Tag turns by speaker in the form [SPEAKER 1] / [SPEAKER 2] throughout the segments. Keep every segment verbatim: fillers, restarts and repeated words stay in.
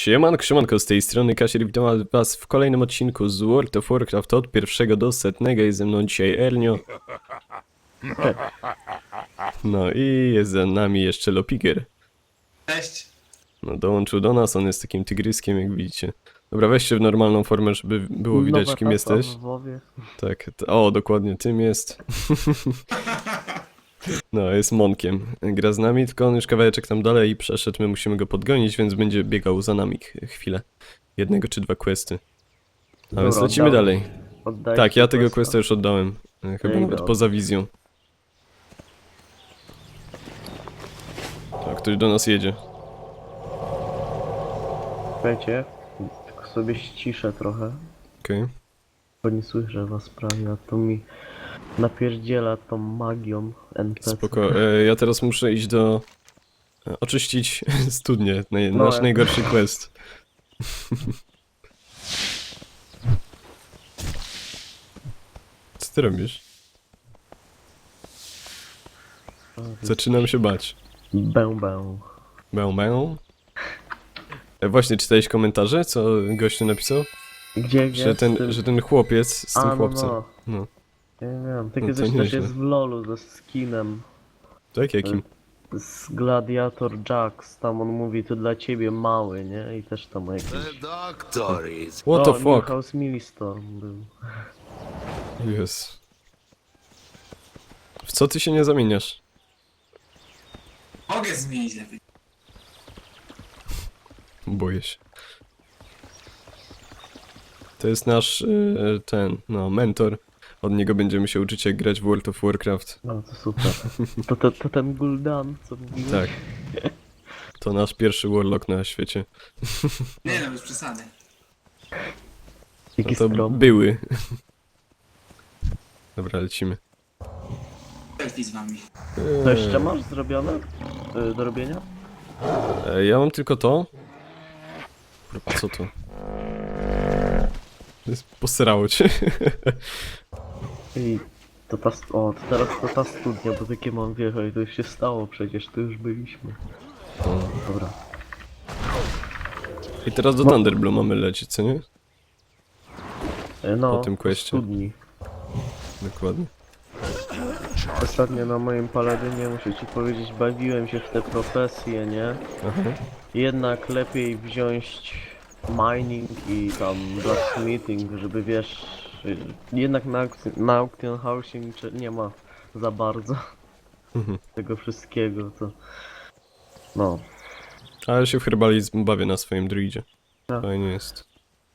[SPEAKER 1] Siemanko, siemanko, z tej strony Kasier, witam was w kolejnym odcinku z World of Warcraft od pierwszego do setnego. Jest ze mną dzisiaj Ernio. No i jest za nami jeszcze Lopiger.
[SPEAKER 2] Cześć.
[SPEAKER 1] No dołączył do nas, on jest takim tygryskiem, jak widzicie. Dobra, weźcie w normalną formę, żeby było widać,
[SPEAKER 3] Nowa
[SPEAKER 1] kim
[SPEAKER 3] tasa
[SPEAKER 1] jesteś.
[SPEAKER 3] w WoWie.
[SPEAKER 1] Tak, t- o, dokładnie, tym jest. No, jest Monkiem. Gra z nami, tylko on już kawałeczek tam dalej i przeszedł, my musimy go podgonić, więc będzie biegał za nami ch- chwilę. Jednego czy dwa questy. A więc
[SPEAKER 3] Dobra,
[SPEAKER 1] lecimy
[SPEAKER 3] oddałem.
[SPEAKER 1] dalej.
[SPEAKER 3] Oddaj
[SPEAKER 1] Tak,
[SPEAKER 3] ci
[SPEAKER 1] ja tego
[SPEAKER 3] questa.
[SPEAKER 1] questa już oddałem. e, Chyba
[SPEAKER 3] Ej,
[SPEAKER 1] nawet
[SPEAKER 3] dobra.
[SPEAKER 1] poza wizją. Tak, ktoś do nas jedzie.
[SPEAKER 3] Słuchajcie, tylko sobie ściszę trochę,
[SPEAKER 1] Okej.
[SPEAKER 3] bo nie słyszę was prawie, a to mi napierdziela tą magią N P C.
[SPEAKER 1] Spoko. E, ja teraz muszę iść do... e, Oczyścić studnię. Naj,
[SPEAKER 3] No,
[SPEAKER 1] nasz
[SPEAKER 3] ja-
[SPEAKER 1] najgorszy quest. Co ty robisz? Zaczynam się bać.
[SPEAKER 3] Bęł, bęł.
[SPEAKER 1] Bęł, bęł. E, właśnie, czytałeś komentarze, co gościu napisał?
[SPEAKER 3] Gdzie, gdzie?
[SPEAKER 1] Że
[SPEAKER 3] z
[SPEAKER 1] ten,
[SPEAKER 3] tym-
[SPEAKER 1] że ten chłopiec z
[SPEAKER 3] A,
[SPEAKER 1] tym
[SPEAKER 3] no,
[SPEAKER 1] chłopcem.
[SPEAKER 3] no.
[SPEAKER 1] No.
[SPEAKER 3] Ja nie wiem, takie
[SPEAKER 1] No to
[SPEAKER 3] coś też
[SPEAKER 1] nieźle.
[SPEAKER 3] jest w LoLu ze skinem.
[SPEAKER 1] Tak, jakim?
[SPEAKER 3] Z Gladiator Jax, tam on mówi, to dla ciebie mały, nie? I też tam jakiś...
[SPEAKER 4] The doctor is
[SPEAKER 1] What
[SPEAKER 3] o,
[SPEAKER 1] the fuck?
[SPEAKER 3] Milhouse Millistorm był.
[SPEAKER 1] Yes. W co ty się nie zamieniasz?
[SPEAKER 2] Mogę zmienić lepiej.
[SPEAKER 1] Boję się. To jest nasz, e, ten, no, mentor. Od niego będziemy się uczyć, jak grać w World of Warcraft.
[SPEAKER 3] No to super. To, to, to ten Gul'dan, co mówiłeś?
[SPEAKER 1] Tak. To nasz pierwszy warlock na świecie.
[SPEAKER 2] Nie no, bez przesady.
[SPEAKER 3] Jaki
[SPEAKER 1] No to
[SPEAKER 3] skromny.
[SPEAKER 1] były. Dobra, lecimy.
[SPEAKER 2] Selfie z wami.
[SPEAKER 3] To jeszcze masz zrobione? Y, do robienia?
[SPEAKER 1] E, ja mam tylko to. Kurwa, co to? Posrało cię.
[SPEAKER 3] I to ta... st- O, to teraz to ta studnia, bo takie mam wjechać, to już się stało przecież, to już byliśmy. Dobra.
[SPEAKER 1] I teraz do Thunderblow mamy lecieć, co nie?
[SPEAKER 3] E, No,
[SPEAKER 1] Po tym questie.
[SPEAKER 3] studni.
[SPEAKER 1] Dokładnie.
[SPEAKER 3] Ostatnio na moim paladynie, muszę ci powiedzieć, bawiłem się w te profesje, nie?
[SPEAKER 1] Aha.
[SPEAKER 3] Jednak lepiej wziąć mining i tam blacksmithing, żeby wiesz, y, jednak na, aukc- na auction housing czy- nie ma za bardzo
[SPEAKER 1] Mhm.
[SPEAKER 3] tego wszystkiego, to no.
[SPEAKER 1] Ale się w herbalizm bawię na swoim druidzie.
[SPEAKER 3] Tak.
[SPEAKER 1] Fajnie jest.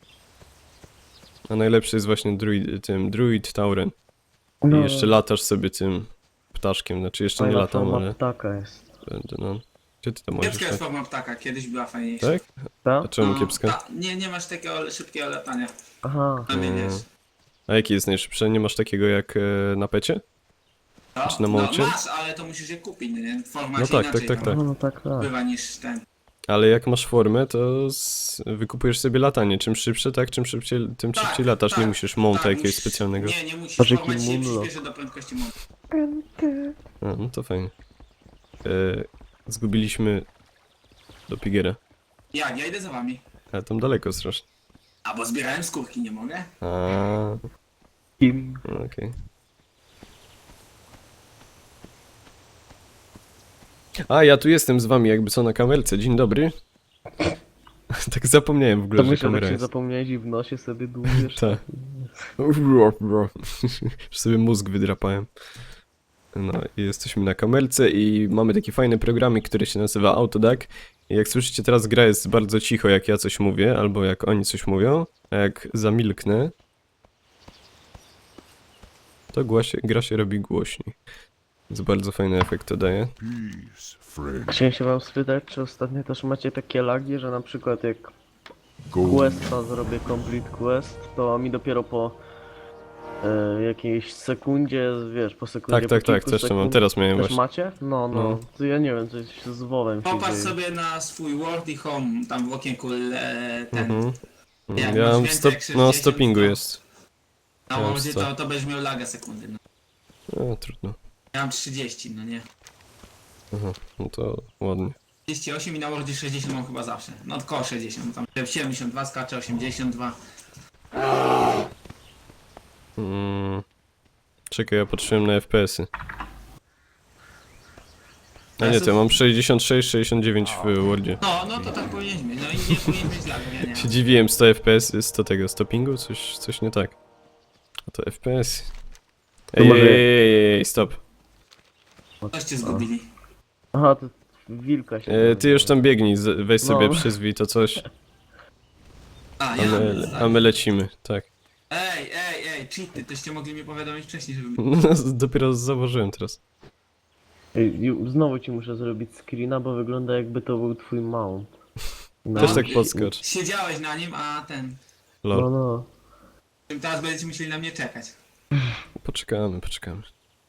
[SPEAKER 1] A najlepszy jest właśnie druid, tym druid Tauren. I
[SPEAKER 3] no
[SPEAKER 1] jeszcze latasz sobie tym ptaszkiem, znaczy jeszcze nie
[SPEAKER 3] fajna
[SPEAKER 1] latam,
[SPEAKER 3] forma
[SPEAKER 1] ale
[SPEAKER 3] ptaka jest.
[SPEAKER 1] będę, no. Gdzie ty tam możesz
[SPEAKER 2] Kiepska jest
[SPEAKER 1] tak?
[SPEAKER 2] forma ptaka, kiedyś była fajniejsza.
[SPEAKER 1] Tak?
[SPEAKER 3] Tak?
[SPEAKER 1] A czemu
[SPEAKER 2] No,
[SPEAKER 1] kiepska?
[SPEAKER 2] ta- nie, nie masz takiego szybkiego latania.
[SPEAKER 3] Aha,
[SPEAKER 2] Zamieniasz.
[SPEAKER 1] A jaki jest najszybszy? Nie masz takiego jak e, na pecie?
[SPEAKER 2] No,
[SPEAKER 1] Czy na
[SPEAKER 2] no
[SPEAKER 1] mołcie?
[SPEAKER 2] masz, ale to musisz je kupić, nie? Forma
[SPEAKER 1] No
[SPEAKER 2] się
[SPEAKER 1] tak,
[SPEAKER 2] inaczej
[SPEAKER 1] tak, tak,
[SPEAKER 2] tam
[SPEAKER 3] no, no tak, tak.
[SPEAKER 2] bywa niż ten.
[SPEAKER 1] Ale jak masz formę, to z... wykupujesz sobie latanie. Czym szybsze, tak? Czym szybciej, tym
[SPEAKER 2] Tak,
[SPEAKER 1] szybciej latasz.
[SPEAKER 2] tak,
[SPEAKER 1] Nie musisz mounta
[SPEAKER 2] tak,
[SPEAKER 1] jakiegoś
[SPEAKER 2] musisz-
[SPEAKER 1] specjalnego.
[SPEAKER 2] Nie, nie musisz,
[SPEAKER 3] Patrz, jaki
[SPEAKER 2] forma ci się
[SPEAKER 3] moonlock.
[SPEAKER 2] przyspieszy do prędkości mounta.
[SPEAKER 1] A, no to fajnie. E, zgubiliśmy do Pigera.
[SPEAKER 2] Jak? Ja idę za wami.
[SPEAKER 1] Ale tam daleko strasznie.
[SPEAKER 2] A bo zbierałem skórki, nie mogę?
[SPEAKER 1] A,
[SPEAKER 3] Kim?
[SPEAKER 1] no okej. A, ja tu jestem z wami, jakby co na kamerce. Dzień dobry. Tak zapomniałem w ogóle,
[SPEAKER 3] To
[SPEAKER 1] że
[SPEAKER 3] myślę,
[SPEAKER 1] kamera
[SPEAKER 3] że się
[SPEAKER 1] jest.
[SPEAKER 3] zapomniałeś i w nosie sobie dłubiesz.
[SPEAKER 1] Tak. Już sobie mózg wydrapałem. No i jesteśmy na kamerce i mamy taki fajny programik, który się nazywa Autodac. I jak słyszycie, teraz gra jest bardzo cicho, jak ja coś mówię, albo jak oni coś mówią. A jak zamilknę, to głasie, gra się robi głośniej. Więc bardzo fajny efekt to daje.
[SPEAKER 4] peace, friend.
[SPEAKER 3] Chciałem się wam spytać, czy ostatnio też macie takie lagi, że na przykład jak
[SPEAKER 4] Go
[SPEAKER 3] questa zrobię complete quest, to mi dopiero po e, jakiejś sekundzie, wiesz, po sekundzie,
[SPEAKER 1] Tak, tak,
[SPEAKER 3] po
[SPEAKER 1] tak,
[SPEAKER 3] kilku
[SPEAKER 1] też to mam.
[SPEAKER 3] sekund-
[SPEAKER 1] Teraz miałem
[SPEAKER 3] Też
[SPEAKER 1] właśnie.
[SPEAKER 3] macie? No, no,
[SPEAKER 1] No.
[SPEAKER 3] to ja nie wiem, coś z WoWem się
[SPEAKER 2] Popatrz
[SPEAKER 3] dzieje.
[SPEAKER 2] sobie na swój World i Home, tam w okienku le, ten.
[SPEAKER 1] Mhm.
[SPEAKER 2] Jak
[SPEAKER 1] Ja
[SPEAKER 2] masz
[SPEAKER 1] mam
[SPEAKER 2] więcej
[SPEAKER 1] stop,
[SPEAKER 2] jak
[SPEAKER 1] no
[SPEAKER 2] sześćdziesiąt,
[SPEAKER 1] stoppingu
[SPEAKER 2] to-
[SPEAKER 1] jest.
[SPEAKER 2] Na
[SPEAKER 1] Ja mam
[SPEAKER 2] łodzie
[SPEAKER 1] sto.
[SPEAKER 2] to, to będziesz miał laga sekundy. No.
[SPEAKER 1] No trudno.
[SPEAKER 2] Ja mam trzydzieści, no nie?
[SPEAKER 1] Aha, no to ładnie.
[SPEAKER 2] trzydzieści osiem i na Wordzie sześćdziesiąt mam chyba zawsze. No około sześćdziesiąt, tam siedemdziesiąt dwa skacze, osiemdziesiąt dwa.
[SPEAKER 1] Mm. Czekaj, ja patrzyłem na F P S-y. A nie, to ja mam sześćdziesiąt sześć sześćdziesiąt dziewięć w Wordzie.
[SPEAKER 2] No, no to tak powinieneś mieć, no i nie powinien mieć lag, nie, nie.
[SPEAKER 1] Się dziwiłem, sto F P S, sto tego, sto pingu? Coś, coś nie tak. A to F P S.
[SPEAKER 3] To
[SPEAKER 1] Ej,
[SPEAKER 3] może-
[SPEAKER 1] ej, ej, ej, stop.
[SPEAKER 2] Coś cię zgubili.
[SPEAKER 3] Aha, to wilka się...
[SPEAKER 1] E, ty już tam biegnij, z- weź sobie
[SPEAKER 3] No.
[SPEAKER 1] przyzwij to coś,
[SPEAKER 2] A,
[SPEAKER 1] a
[SPEAKER 2] ja
[SPEAKER 1] my, a my lecimy, tak.
[SPEAKER 2] Ej, ej, ej, cheaty, toście mogli mi powiadomić wcześniej, żeby...
[SPEAKER 1] No, dopiero zauważyłem teraz.
[SPEAKER 3] Ej, ju- znowu ci muszę zrobić screena, bo wygląda jakby to był twój mount. No.
[SPEAKER 1] Też tak podskocz.
[SPEAKER 2] Siedziałeś na nim, a ten...
[SPEAKER 3] No,
[SPEAKER 1] Lol.
[SPEAKER 3] no.
[SPEAKER 2] Teraz będziecie musieli na mnie czekać.
[SPEAKER 1] Poczekamy, poczekamy.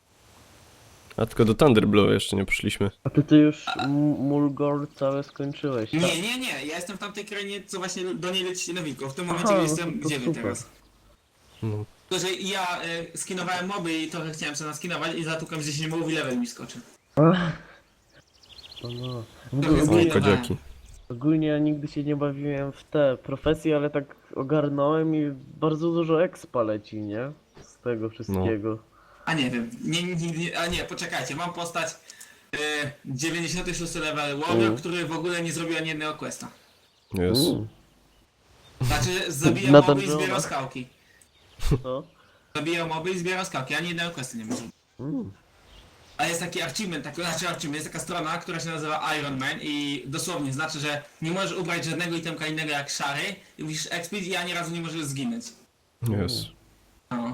[SPEAKER 1] A tylko do Thunderblow jeszcze nie poszliśmy.
[SPEAKER 3] A ty, ty już M- Mulgore całe skończyłeś, tak?
[SPEAKER 2] Nie, nie, nie, ja jestem w tamtej krainie, co właśnie do niej lecicie na wilko. W tym momencie
[SPEAKER 3] Aha, no
[SPEAKER 2] jestem,
[SPEAKER 3] to
[SPEAKER 2] gdzie wy
[SPEAKER 3] super.
[SPEAKER 2] teraz?
[SPEAKER 1] No.
[SPEAKER 2] Tylko, że ja y, skinowałem moby i trochę chciałem sobie naskinować i zatukam z dziesięć mobów i level mi skoczy.
[SPEAKER 3] Ach. No, no. W
[SPEAKER 2] To
[SPEAKER 3] ogóle,
[SPEAKER 2] jest
[SPEAKER 1] O,
[SPEAKER 3] ogólnie,
[SPEAKER 1] kodziaki.
[SPEAKER 3] ogólnie ja nigdy się nie bawiłem w te profesje, ale tak ogarnąłem i bardzo dużo expa leci, nie? Z tego wszystkiego.
[SPEAKER 2] A nie wiem, nie, nie, nie, a nie, poczekajcie, mam postać y, dziewięćdziesiąty szósty level Warrior,
[SPEAKER 3] Mm.
[SPEAKER 2] który w ogóle nie zrobił ani jednego questa.
[SPEAKER 1] Jest.
[SPEAKER 3] Mm,
[SPEAKER 2] Znaczy, zabijał
[SPEAKER 3] Na
[SPEAKER 2] moby i
[SPEAKER 3] dungeonach.
[SPEAKER 2] zbierał skałki.
[SPEAKER 3] co?
[SPEAKER 2] Zabijał moby i zbierał skałki, ani jednego questa nie mógł zrobić.
[SPEAKER 3] Mm.
[SPEAKER 2] A jest taki achievement, taki, znaczy achievement, jest taka strona, która się nazywa Iron Man i dosłownie znaczy, że nie możesz ubrać żadnego itemka innego jak szary i musisz expić i ani razu nie możesz zginąć.
[SPEAKER 1] Jest.
[SPEAKER 2] No.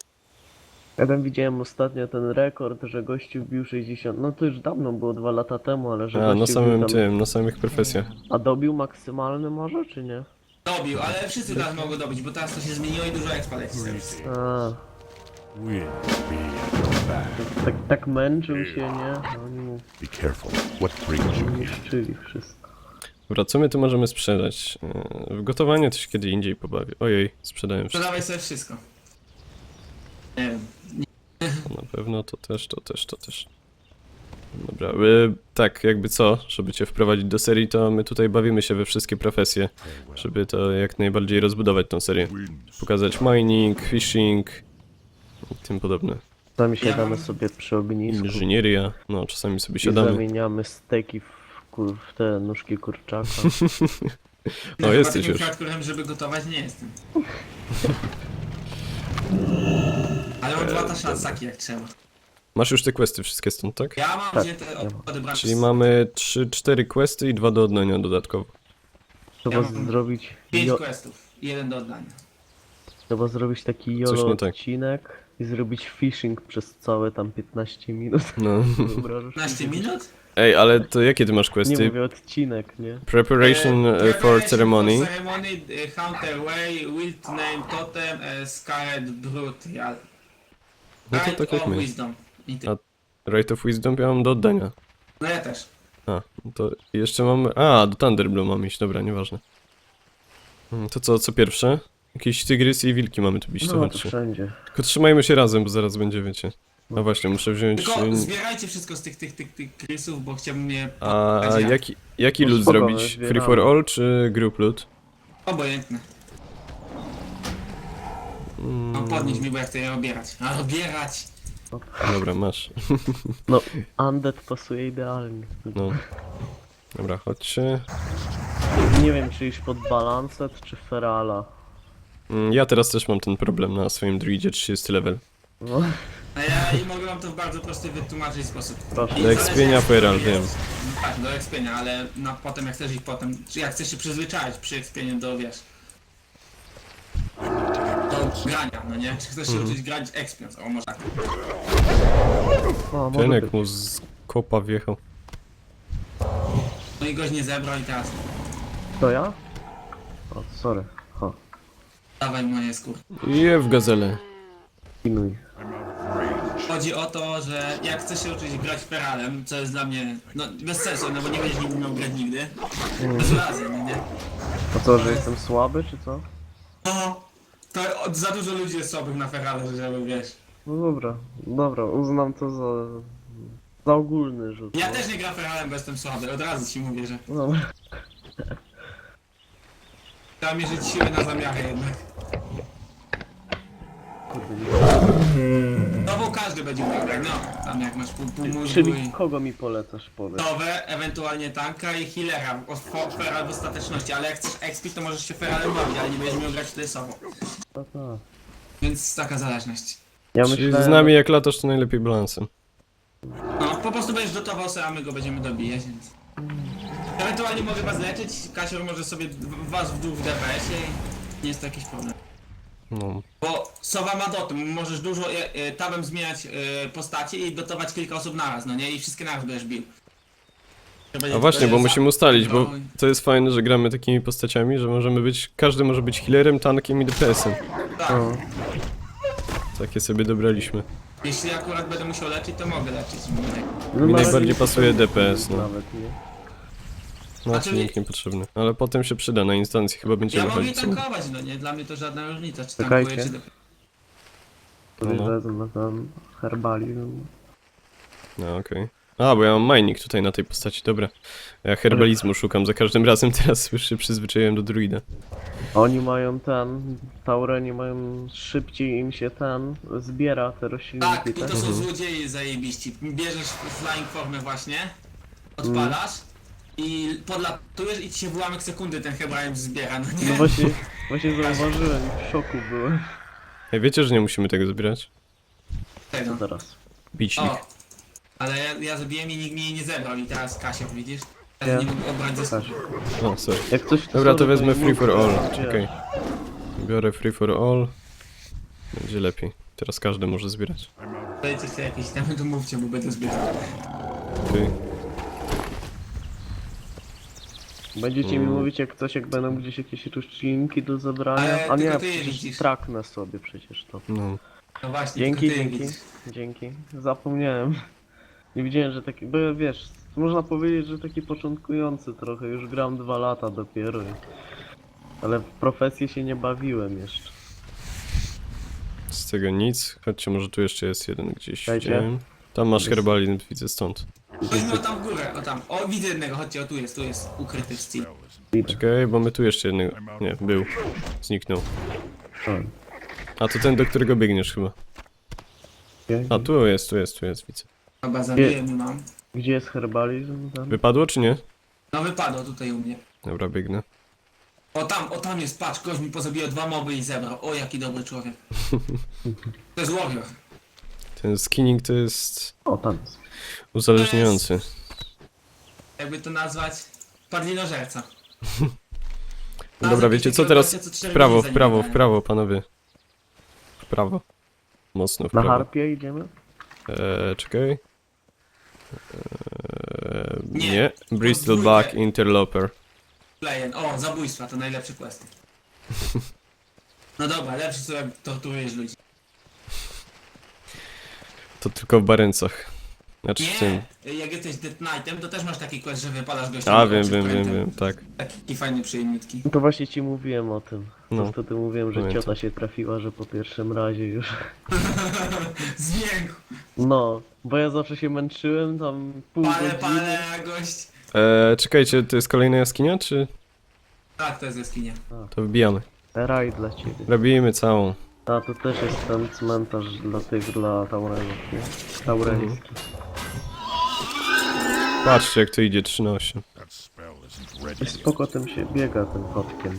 [SPEAKER 3] Ja tam widziałem ostatnio ten rekord, że gościu bił sześćdziesiąt, no to już dawno było, dwa lata temu, ale że
[SPEAKER 1] A, na
[SPEAKER 3] gościu
[SPEAKER 1] samym
[SPEAKER 3] bił tam...
[SPEAKER 1] tym, na samych profesjach.
[SPEAKER 3] A dobił maksymalny może, czy nie?
[SPEAKER 2] Dobił, ale wszyscy teraz mogą dobić, bo teraz to się zmieniło i dużo expa leci.
[SPEAKER 3] A,
[SPEAKER 4] Will be at your back.
[SPEAKER 3] tak, tak męczył się, nie? No, oni mu
[SPEAKER 4] Be careful. What brings you here?
[SPEAKER 3] niszczyli wszystko.
[SPEAKER 1] Dobra, co my tu możemy sprzedać? E, W gotowanie to się kiedy indziej pobawię. Ojej, sprzedałem wszystko.
[SPEAKER 2] Sprzedawaj sobie wszystko. Nie wiem.
[SPEAKER 1] Na pewno to też, to też, to też. Dobra, e, tak, jakby co, żeby cię wprowadzić do serii, to my tutaj bawimy się we wszystkie profesje, żeby to jak najbardziej rozbudować tą serię.
[SPEAKER 4] Winds.
[SPEAKER 1] Pokazać mining, fishing i tym podobne.
[SPEAKER 3] Czasami siadamy
[SPEAKER 2] mam-
[SPEAKER 3] sobie przy ognisku
[SPEAKER 1] Inżynieria, no czasami sobie
[SPEAKER 3] i
[SPEAKER 1] siadamy.
[SPEAKER 3] zamieniamy steki w, kur... w te nóżki kurczaka.
[SPEAKER 1] O,
[SPEAKER 2] Chyba
[SPEAKER 1] jesteś
[SPEAKER 2] takim
[SPEAKER 1] już.
[SPEAKER 2] hardcorem, żeby gotować nie jestem. Ale mam dwa taszansaki jak trzeba.
[SPEAKER 1] Masz już te questy wszystkie stąd, tak?
[SPEAKER 2] Ja mam
[SPEAKER 3] Tak,
[SPEAKER 2] wzięte
[SPEAKER 3] ja
[SPEAKER 2] od,
[SPEAKER 3] mam.
[SPEAKER 2] odebrane
[SPEAKER 1] Czyli
[SPEAKER 2] z-
[SPEAKER 1] mamy trzy cztery questy i dwa do oddania dodatkowo.
[SPEAKER 3] Trzeba
[SPEAKER 2] Ja mam
[SPEAKER 3] zrobić
[SPEAKER 2] pięć
[SPEAKER 3] jo...
[SPEAKER 2] questów i jeden do oddania.
[SPEAKER 3] Trzeba zrobić taki
[SPEAKER 1] Coś
[SPEAKER 3] jolo
[SPEAKER 1] nie tak.
[SPEAKER 3] odcinek i zrobić fishing przez całe tam piętnaście minut.
[SPEAKER 1] No.
[SPEAKER 3] Wyobrażasz
[SPEAKER 2] piętnaście
[SPEAKER 3] sobie?
[SPEAKER 2] minut?
[SPEAKER 1] Ej, ale to jakie ty masz
[SPEAKER 3] Nie
[SPEAKER 1] questy?
[SPEAKER 3] mówię odcinek, nie?
[SPEAKER 1] Preparation
[SPEAKER 2] E,
[SPEAKER 1] e, for
[SPEAKER 2] preparation
[SPEAKER 1] ceremony.
[SPEAKER 2] For ceremony, e, Hunter Way, Wild Name Totem, e, Scarlet Brutal.
[SPEAKER 1] No to
[SPEAKER 2] Right
[SPEAKER 1] tak jak
[SPEAKER 2] of
[SPEAKER 1] my.
[SPEAKER 2] Wisdom. I ty.
[SPEAKER 1] A- Right of Wisdom ja mam do oddania.
[SPEAKER 2] No ja też.
[SPEAKER 1] A, to jeszcze mam... A, do Thunderblow mam iść, dobra, nieważne. Hmm, To co, co pierwsze? Jakieś tygrysy i wilki mamy tu bić, to
[SPEAKER 3] No to
[SPEAKER 1] chodźcie.
[SPEAKER 3] wszędzie.
[SPEAKER 1] Tylko trzymajmy się razem, bo zaraz będzie, wiecie. No właśnie, muszę wziąć...
[SPEAKER 2] Tylko
[SPEAKER 1] y,
[SPEAKER 2] zbierajcie wszystko z tych, tych, tych, tych krysów, bo chciałbym je...
[SPEAKER 1] A
[SPEAKER 2] podać ja.
[SPEAKER 1] jaki, jaki
[SPEAKER 3] No
[SPEAKER 1] loot
[SPEAKER 3] spoko,
[SPEAKER 1] zrobić?
[SPEAKER 3] my
[SPEAKER 1] Free
[SPEAKER 3] zbieramy.
[SPEAKER 1] for all czy group loot?
[SPEAKER 2] Obojętne.
[SPEAKER 1] Mm,
[SPEAKER 2] No podnieś mi, bo ja chcę je obierać. A obierać!
[SPEAKER 1] dobra, masz.
[SPEAKER 3] No, Undead pasuje idealnie.
[SPEAKER 1] No. Dobra, chodźcie.
[SPEAKER 3] Nie wiem, czy iść pod Balancet, czy Ferala.
[SPEAKER 1] Mm, Ja teraz też mam ten problem na swoim druidzie trzydziesty level.
[SPEAKER 3] No,
[SPEAKER 2] A ja i mogę wam to w bardzo prosty wytłumaczyć sposób.
[SPEAKER 3] proszę.
[SPEAKER 2] I
[SPEAKER 1] Do expienia
[SPEAKER 2] zależy, jak
[SPEAKER 1] Feral,
[SPEAKER 2] to
[SPEAKER 1] wiem.
[SPEAKER 2] jest. No tak, do expienia, ale na, potem jak chcesz iść potem, czy jak chcesz się przyzwyczaić przy expieniu do, wiesz... Do grania, no nie? Czy chcesz się
[SPEAKER 1] Mhm.
[SPEAKER 2] uczyć grać expiąc? O, może tak.
[SPEAKER 3] O, może
[SPEAKER 1] Ten
[SPEAKER 3] być.
[SPEAKER 1] jak mu z kopa wjechał.
[SPEAKER 2] No i goś nie zebrał i teraz
[SPEAKER 3] To ja? O, sorry. O,
[SPEAKER 2] dawaj moje skór.
[SPEAKER 1] Je w gazelę.
[SPEAKER 3] pinuj.
[SPEAKER 2] Chodzi o to, że jak chcesz się uczyć grać feralem, co jest dla mnie, no bez sensu, no bo nie będziesz nigdy miał grać nigdy. Bez razy, no nie?
[SPEAKER 3] A co, że jestem słaby, czy co?
[SPEAKER 2] No, to od, za dużo ludzi jest słabych na ferale, żeby wiesz.
[SPEAKER 3] No dobra, dobra, uznam to za... Za ogólny rzut.
[SPEAKER 2] Ja
[SPEAKER 3] no.
[SPEAKER 2] też nie gram feralem, bo jestem słaby, od razu ci mówię, że
[SPEAKER 3] No,
[SPEAKER 2] trzeba mierzyć siły na zamiary jednak.
[SPEAKER 3] kurde, nie.
[SPEAKER 2] Nową każdy będzie miał, no, tam jak masz pół, pół mózgu
[SPEAKER 3] Czyli
[SPEAKER 2] i...
[SPEAKER 3] kogo mi polecasz, powiedz?
[SPEAKER 2] Nowe, ewentualnie tanka i healera, o, fo- feral w ostateczności, ale jak chcesz expić, to możesz się feralem bawić, ale nie będziesz miał grać tyle sobą.
[SPEAKER 3] No tak.
[SPEAKER 2] Więc taka zależność.
[SPEAKER 3] Ja
[SPEAKER 1] Czyli
[SPEAKER 3] myślałem,
[SPEAKER 1] z nami jak latasz, to najlepiej balansem.
[SPEAKER 2] No, po prostu będziesz dotował sobie, a my go będziemy dobijać, więc... Ewentualnie mogę was leczyć, Kasior może sobie w- was w dół w D P S-ie i nie jest to jakiś problem.
[SPEAKER 1] No.
[SPEAKER 2] Bo Sowa ma doty, możesz dużo e, e, tabem zmieniać e, postacie i dotować kilka osób naraz, no nie? I wszystkie naraz będziesz bił. To będzie
[SPEAKER 1] A właśnie, bo
[SPEAKER 2] tylko
[SPEAKER 1] musimy ustalić, bo
[SPEAKER 2] No,
[SPEAKER 1] to jest fajne, że gramy takimi postaciami, że możemy być, każdy może być healerem, tankiem i D P S-em.
[SPEAKER 2] tak,
[SPEAKER 3] No.
[SPEAKER 1] Takie sobie dobraliśmy.
[SPEAKER 2] jeśli akurat będę musiał leczyć, to mogę leczyć.
[SPEAKER 3] No,
[SPEAKER 1] Mi
[SPEAKER 3] na
[SPEAKER 1] najbardziej
[SPEAKER 3] razie
[SPEAKER 1] pasuje
[SPEAKER 3] nie
[SPEAKER 1] D P S, no.
[SPEAKER 3] Nawet nie.
[SPEAKER 1] No,
[SPEAKER 2] Znaczy,
[SPEAKER 1] silnik niepotrzebny. Ale potem się przyda, na instancji chyba
[SPEAKER 2] Ja
[SPEAKER 1] będziemy
[SPEAKER 2] mogę i
[SPEAKER 1] chodzić.
[SPEAKER 2] tankować, no nie? Dla mnie to żadna różnica, czy
[SPEAKER 3] Czekajcie.
[SPEAKER 2] tankuję, czy...
[SPEAKER 3] Sobie
[SPEAKER 1] No, no.
[SPEAKER 3] wezmę tam herbalium.
[SPEAKER 1] No, okej. A, bo ja mam mining tutaj na tej postaci, dobra. Ja herbalizmu szukam za każdym razem, teraz już się przyzwyczaiłem do druida.
[SPEAKER 3] Oni mają ten, Taureni mają szybciej im się ten zbiera te
[SPEAKER 2] Tak,
[SPEAKER 3] roślinki,
[SPEAKER 2] i
[SPEAKER 3] tak?
[SPEAKER 2] to są
[SPEAKER 1] Mhm.
[SPEAKER 2] złodzieje zajebiści. Bierzesz flying formę właśnie, odpalasz i podlatujesz i ci się w ułamek sekundy ten Hebraim zbiera, no nie?
[SPEAKER 3] No właśnie, właśnie zauważyłem, w szoku byłem.
[SPEAKER 1] Ej, wiecie, że nie musimy tego zbierać?
[SPEAKER 2] Tego.
[SPEAKER 3] Zaraz.
[SPEAKER 1] Bicznik.
[SPEAKER 2] O, ale ja, ja zrobiłem i nikt mi jej nie zebrał i teraz Kasia, widzisz?
[SPEAKER 3] Nie.
[SPEAKER 2] Teraz nie mógł obrać ze
[SPEAKER 3] Tak.
[SPEAKER 1] O, sorry.
[SPEAKER 3] Jak coś to
[SPEAKER 1] Dobra, to
[SPEAKER 3] sorry,
[SPEAKER 1] wezmę
[SPEAKER 3] nie
[SPEAKER 1] free for
[SPEAKER 3] mów,
[SPEAKER 1] all,
[SPEAKER 3] wiesz.
[SPEAKER 1] czekaj. Biorę free for all. Będzie lepiej. Teraz każdy może zbierać.
[SPEAKER 2] Dajcie sobie jakieś tam, to mówcie, bo będę zbierał.
[SPEAKER 1] Okej.
[SPEAKER 3] Będziecie
[SPEAKER 1] Mm.
[SPEAKER 3] mi mówić jak coś, jak będą gdzieś jakieś roślinki do zabrania.
[SPEAKER 2] Ale
[SPEAKER 3] A nie,
[SPEAKER 2] tylko ty je
[SPEAKER 3] przecież
[SPEAKER 2] widzisz.
[SPEAKER 3] traknę sobie przecież to.
[SPEAKER 1] No.
[SPEAKER 2] No właśnie,
[SPEAKER 3] Dzięki,
[SPEAKER 2] tylko ty
[SPEAKER 3] dzięki,
[SPEAKER 2] widzisz.
[SPEAKER 3] dzięki. Zapomniałem. Nie widziałem, że taki, bo wiesz, można powiedzieć, że taki początkujący trochę, już gram dwa lata dopiero. i- Ale w profesję się nie bawiłem jeszcze.
[SPEAKER 1] Z tego nic. Chodźcie, może tu jeszcze jest jeden gdzieś.
[SPEAKER 3] Dajcie.
[SPEAKER 1] Widziałem. Tam masz
[SPEAKER 3] Jest.
[SPEAKER 1] herbalizm, widzę stąd.
[SPEAKER 2] Weźmy o tam w górę, o tam. O, widzę jednego, chodźcie, o tu jest, tu jest ukryty w steel.
[SPEAKER 3] Idę.
[SPEAKER 1] Czekaj, bo my tu jeszcze jednego... Nie, był. Zniknął.
[SPEAKER 3] Oj,
[SPEAKER 1] A to ten, do którego biegniesz chyba.
[SPEAKER 3] okej.
[SPEAKER 1] A tu jest, tu jest, tu jest, widzę.
[SPEAKER 2] Chyba zabiję mu mam.
[SPEAKER 3] Gdzie jest herbalizm? Tam?
[SPEAKER 1] Wypadło czy nie?
[SPEAKER 2] No wypadło tutaj u mnie.
[SPEAKER 1] Dobra, biegnę.
[SPEAKER 2] O tam, o tam jest, patrz, ktoś mi pozabijał dwa moby i zebrał. O, jaki dobry człowiek. To jest warrior.
[SPEAKER 1] Ten skinning to jest
[SPEAKER 3] O, tam jest.
[SPEAKER 1] uzależniający.
[SPEAKER 2] Jakby to nazwać, padlinożerca.
[SPEAKER 1] No dobra, wiecie co, teraz w prawo, w prawo, w prawo, panowie. W prawo. Mocno w
[SPEAKER 3] Na
[SPEAKER 1] prawo.
[SPEAKER 3] harpie idziemy?
[SPEAKER 1] Eee, czekaj. Eee,
[SPEAKER 2] Nie.
[SPEAKER 1] nie. Bristol
[SPEAKER 2] Podwójne.
[SPEAKER 1] Back Interloper.
[SPEAKER 2] Playen. O, zabójstwa, to najlepszy quest. No dobra, lepszy co jak torturujesz ludzi.
[SPEAKER 1] To tylko w Barencach. Znaczy w tym.
[SPEAKER 2] Nie, jak jesteś Death Knightem, to też masz taki quest, że wypalasz gościa.
[SPEAKER 1] A,
[SPEAKER 2] na
[SPEAKER 1] wiem,
[SPEAKER 2] oczy
[SPEAKER 1] wiem, wiem,
[SPEAKER 2] prętem.
[SPEAKER 1] wiem, tak.
[SPEAKER 2] Taki fajny, przyjemniutki.
[SPEAKER 3] No to właśnie ci mówiłem o tym.
[SPEAKER 1] No.
[SPEAKER 3] To wtedy mówiłem, że
[SPEAKER 1] Pamiętam.
[SPEAKER 3] ciota się trafiła, że po pierwszym razie już.
[SPEAKER 2] Zmięk.
[SPEAKER 3] No, bo ja zawsze się męczyłem tam pół
[SPEAKER 2] Pale,
[SPEAKER 3] godziny.
[SPEAKER 2] pale, gość.
[SPEAKER 1] Eee, czekajcie, to jest kolejna jaskinia, czy
[SPEAKER 2] Tak, to jest jaskinia.
[SPEAKER 1] to wbijamy?
[SPEAKER 3] Raj dla ciebie.
[SPEAKER 1] Robimy całą.
[SPEAKER 3] A to też jest ten cmentarz dla tych, dla Taurenów, nie? Taureński.
[SPEAKER 1] Patrzcie jak to idzie trzy na osiem.
[SPEAKER 4] That spell isn't
[SPEAKER 3] I
[SPEAKER 4] ready.
[SPEAKER 3] spoko tym się biega tym kotkiem.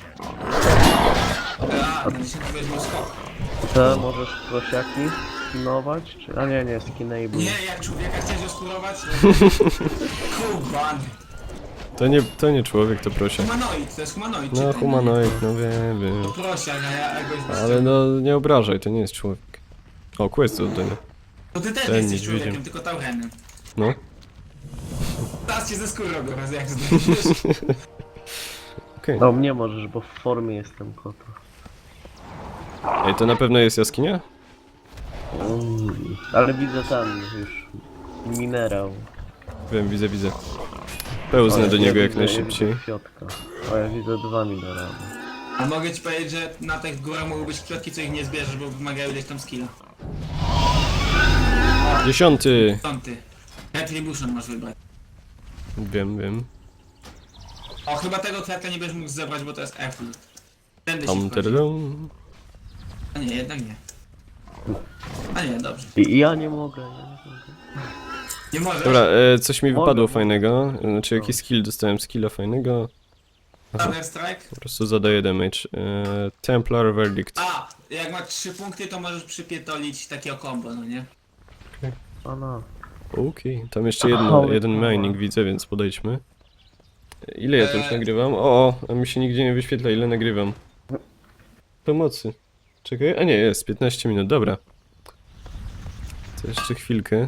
[SPEAKER 2] A, na dziesięć weźmie skok.
[SPEAKER 3] Te możesz prosiaki skinować, czy... A nie, nie, skinable.
[SPEAKER 2] Nie, jak człowieka chciałeś oskurować? Kuban.
[SPEAKER 1] To nie, to nie człowiek, to prosia.
[SPEAKER 2] Humanoid, to jest humanoid.
[SPEAKER 1] No
[SPEAKER 2] czytaj,
[SPEAKER 1] humanoid, no wiem,
[SPEAKER 2] nie?
[SPEAKER 1] wiem.
[SPEAKER 2] To prosiak, a ja a gość
[SPEAKER 1] Ale no nie obrażaj, to nie jest człowiek. O, quest do oddania.
[SPEAKER 2] To ty też
[SPEAKER 1] ten
[SPEAKER 2] nie jesteś
[SPEAKER 1] niedźwiedziem.
[SPEAKER 2] człowiekiem, tylko taurenem.
[SPEAKER 1] No.
[SPEAKER 2] Teraz cię ze skórą biorę, jak zdejmiesz.
[SPEAKER 1] Okej.
[SPEAKER 3] No mnie możesz, bo w formie jestem kota.
[SPEAKER 1] Ej, to na pewno jest jaskinia?
[SPEAKER 3] Mm, ale widzę tam już minerał.
[SPEAKER 1] Wiem, widzę, widzę. Pełznę
[SPEAKER 3] O,
[SPEAKER 1] do
[SPEAKER 3] ja
[SPEAKER 1] niego jak
[SPEAKER 3] widzę- ja
[SPEAKER 1] najszybciej.
[SPEAKER 3] widzę kwiatka. O, ja widzę dwa minerały.
[SPEAKER 2] A mogę ci powiedzieć, że na tych górach mogą być kwiatki, co ich nie zbierzesz, bo wymagają ileś tam skilla.
[SPEAKER 1] Dziesiąty!
[SPEAKER 2] Piąty. Retribution masz wybrać.
[SPEAKER 1] Wiem, wiem.
[SPEAKER 2] O, chyba tego kwiatka nie będziesz mógł zebrać, bo to jest airfield. Tędy się
[SPEAKER 1] Tam,
[SPEAKER 2] wchodzi.
[SPEAKER 1] tadadam.
[SPEAKER 2] A nie, jednak nie. A nie, dobrze.
[SPEAKER 3] I ja nie mogę, ja nie mogę.
[SPEAKER 2] Nie możesz.
[SPEAKER 1] Dobra, e, coś mi
[SPEAKER 3] Mogę,
[SPEAKER 1] wypadło
[SPEAKER 3] mogę.
[SPEAKER 1] fajnego. Znaczy
[SPEAKER 3] No.
[SPEAKER 1] jakiś skill, dostałem skilla fajnego.
[SPEAKER 2] Thunder Strike.
[SPEAKER 1] Po prostu zadaję damage. E, Templar Verdict.
[SPEAKER 2] A, jak masz trzy punkty, to możesz przypietolić takiego combo, no nie?
[SPEAKER 3] A no.
[SPEAKER 1] Okej, tam jeszcze jedno,
[SPEAKER 3] Ale
[SPEAKER 1] jeden
[SPEAKER 3] mała.
[SPEAKER 1] mining widzę, więc podejdźmy. Ile ja tu już
[SPEAKER 2] Eee.
[SPEAKER 1] nagrywam? O, a mi się nigdzie nie wyświetla, ile nagrywam. Pomocy. Czekaj, a nie, jest, piętnaście minut, dobra. To jeszcze chwilkę.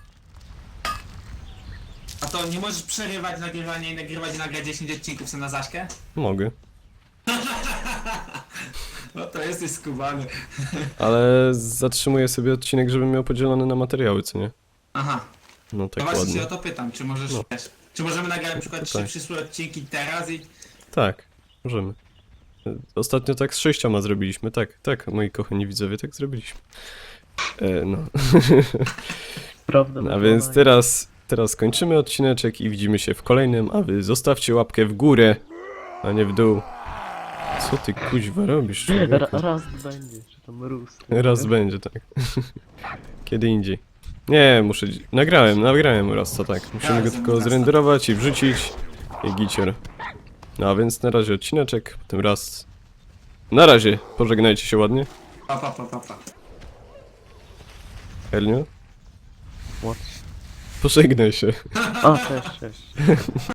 [SPEAKER 2] A to nie możesz przerywać nagrywania i nagrywać i nagrać dziesięć odcinków sobie na Zaśkę?
[SPEAKER 1] Mogę.
[SPEAKER 2] No to jesteś skubany.
[SPEAKER 1] Ale zatrzymuję sobie odcinek, żebym miał podzielony na materiały, co nie?
[SPEAKER 2] Aha,
[SPEAKER 1] No
[SPEAKER 2] no
[SPEAKER 1] tak
[SPEAKER 2] właśnie
[SPEAKER 1] ładnie.
[SPEAKER 2] się o to pytam, czy możesz,
[SPEAKER 1] No.
[SPEAKER 2] wiesz, czy możemy nagrać na przykład trzy
[SPEAKER 1] tak.
[SPEAKER 2] przyszłe odcinki teraz i...
[SPEAKER 1] Tak, możemy. Ostatnio tak z sześcioma zrobiliśmy, tak, tak, moi kochani widzowie, tak zrobiliśmy. E, no.
[SPEAKER 3] Prawda.
[SPEAKER 1] A więc teraz, teraz kończymy odcineczek i widzimy się w kolejnym, a wy zostawcie łapkę w górę, a nie w dół. Co ty kuźwa robisz,
[SPEAKER 3] Ra
[SPEAKER 1] człowieku?
[SPEAKER 3] raz będzie, czy tam rósł.
[SPEAKER 1] Raz będzie, tak. Kiedy indziej. Nie, muszę... dzi- Nagrałem, nagrałem raz, to tak. Musimy go tylko zrenderować i wrzucić i gicior. No a więc na razie odcineczek, potem raz... Na razie, pożegnajcie się ładnie.
[SPEAKER 2] Pa, pa, pa, pa, pa.
[SPEAKER 1] Hernio?
[SPEAKER 3] What?
[SPEAKER 1] Pożegnaj się.
[SPEAKER 3] A, cześć, cześć.